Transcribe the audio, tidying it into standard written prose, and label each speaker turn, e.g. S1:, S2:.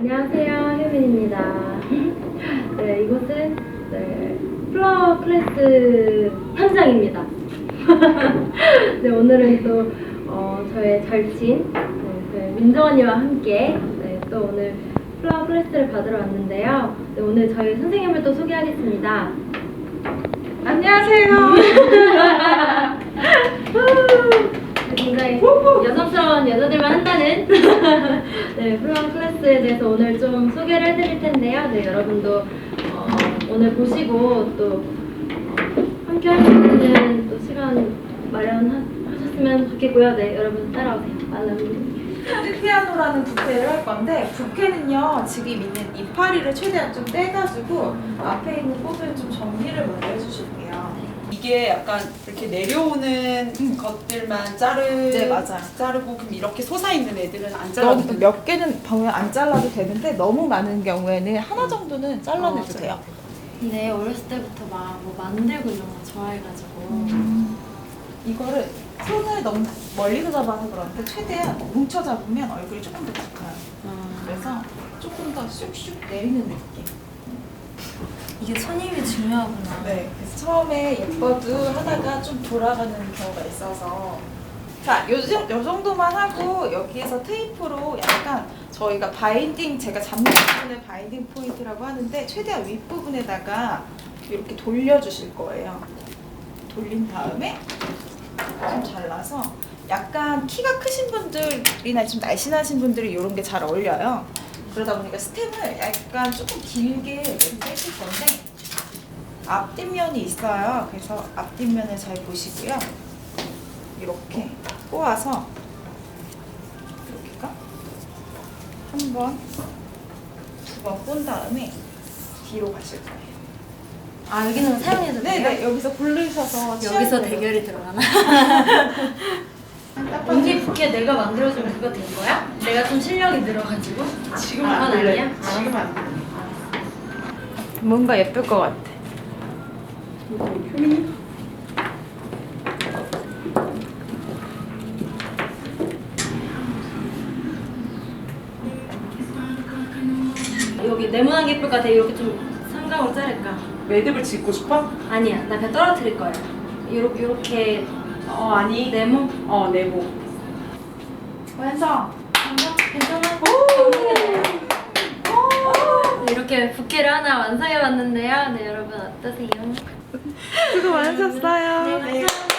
S1: 안녕하세요, 효민입니다. 네, 이곳은 플라워 클래스 현장입니다. 네, 오늘은 또 저의 절친 민정 언니와 함께 또 오늘 플라워 클래스를 받으러 왔는데요. 네, 오늘 저희 선생님을 또 소개하겠습니다.
S2: 안녕하세요.
S1: 굉장히 여성스러운 여자들만 한다는 네, 플라워 클래스에 대해서 오늘 좀 소개를 해드릴 텐데요. 네, 여러분도 오늘 보시고 또 함께 할 수 있는 또 시간 마련하셨으면 좋겠고요. 네, 여러분 따라오세요.
S2: 피아노라는 부케를 할 건데, 부케는요 지금 있는 이파리를 최대한 좀 떼가지고 앞에 있는 꽃을 좀 정리를 먼저 해주실게요.
S3: 이게 약간 이렇게 내려오는 것들만
S2: 네, 맞아요.
S3: 자르고 그럼 이렇게 솟아있는 애들은 안 잘라도
S2: 너무 몇 개는 보면 안 잘라도 되는데 너무 많은 경우에는 하나 정도는 잘라내도 돼요.
S1: 근데 어렸을 때부터 막 뭐 만들고 이런 거 좋아해가지고
S2: 이거를 손을 너무 멀리서 잡아서 그런데 최대한 뭉쳐 잡으면 얼굴이 조금 더 작아요. 그래서 조금 더 슉슉 내리는 느낌.
S1: 이게 손님이 중요하구나.
S2: 네, 그래서 처음에 예뻐도 하다가 좀 돌아가는 경우가 있어서 자, 요 정도만 하고 여기에서 테이프로 약간 저희가 바인딩, 제가 잡는 부분을 바인딩 포인트라고 하는데 최대한 윗부분에다가 이렇게 돌려주실 거예요. 돌린 다음에 좀 잘라서 약간 키가 크신 분들이나 좀 날씬하신 분들이 이런 게 잘 어울려요. 그러다 보니까 스템을 약간 조금 길게 빼실 건데 앞뒷면이 있어요. 그래서 앞뒷면을 잘 보시고요. 이렇게 꼬아서 이렇게가 한 번, 두 번 꼰 다음에 뒤로 가실 거예요.
S1: 아, 여기는 사용해도 돼요?
S2: 네, 여기서 고르셔서
S1: 여기서 대결이 들어가나? 언니 부케 내가 만들어준 그거 된 거야? 내가 좀 실력이 늘어가지고?
S3: 지금
S1: 그건
S3: 안 될래.
S1: 아니야?
S3: 지금 안 돼.
S2: 뭔가 예쁠 것 같아.
S3: 효민이?
S1: 여기 네모난 게 예쁠 것 같아. 이렇게 좀 삼각으로 자를까?
S3: 매듭을 짓고 싶어?
S1: 아니야, 나 그냥 떨어뜨릴 거야. 요렇게
S3: 아니.
S1: 네모?
S3: 네모.
S2: 완성!
S1: 괜찮아? 이렇게 부케를 하나 완성해봤는데요. 네, 여러분 어떠세요?
S2: 수고 많으셨어요.
S1: 네, 감사합니다.